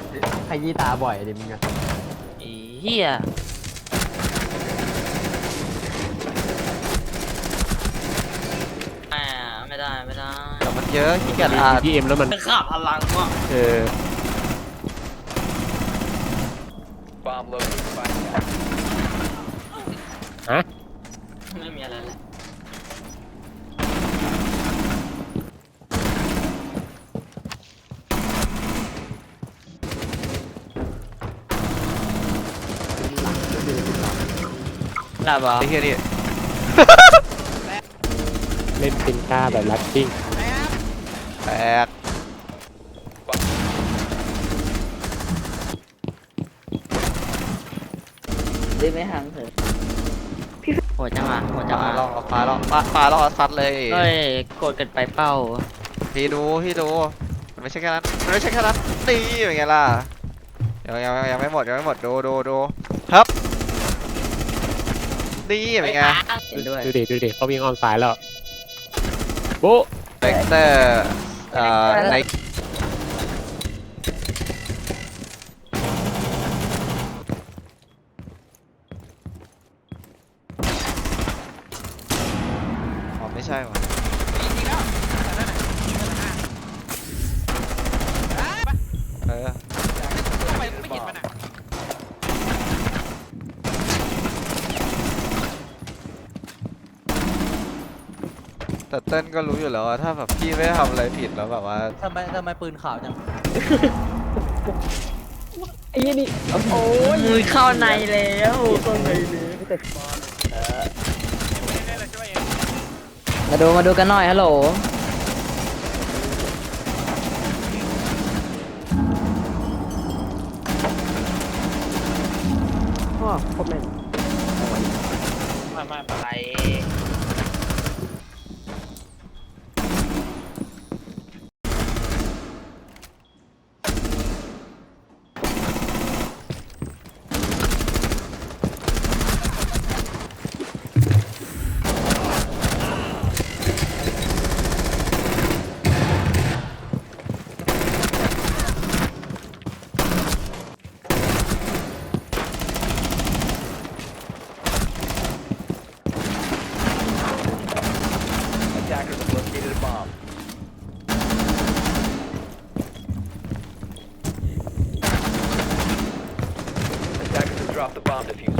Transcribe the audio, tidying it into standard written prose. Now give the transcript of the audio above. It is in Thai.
ขยี้ตาบ่อยดิมึงอะไอ้เหี้ยไม่ได้ไม่ได้แต่มันเยอะขี้เกียจอ่านพีเอ็มแล้วมันขาดพลังว่ะเออ Bomb located by attack. ฮะไม่มีอะไรเลยหลับเหรอไอ้เหี้ยนี่เล่นปินก้าแบบลัดกิ้งแตกได้ไม่ห่างเถอะโหดจังอ่ะโหดจังปลาอ่ะล่อปลาล่อปลาล่อซัดเลยเฮ้ยโกรธกันไปเป้าพี่ดูมันไม่ใช่แค่นั้นมันไม่ใช่แค่นั้นนี่เป็นไงล่ะยังไม่หมดดูครับนี่เป็นไงด้วยดูดิเขาวิ่งออนสายแล้วโบ๊ะเบกเตอร์ในอ๋อไม่ใช่หรอเออ แต่เต้นก็รู้อยู่แล้วว่าถ้าแบบพี่ไม่ได้ทำอะไรผิดแล้วแบบว่าทำไมปืนขาวจังไอ้ยี่นี่โอ้ยมือเข้าในแล้วเข้าในเลยมาดูกันหน่อยฮัลโหลพ่อครบเลยไม่เป็นไร Attackers have located a bomb. Attackers have dropped the bomb diffuser.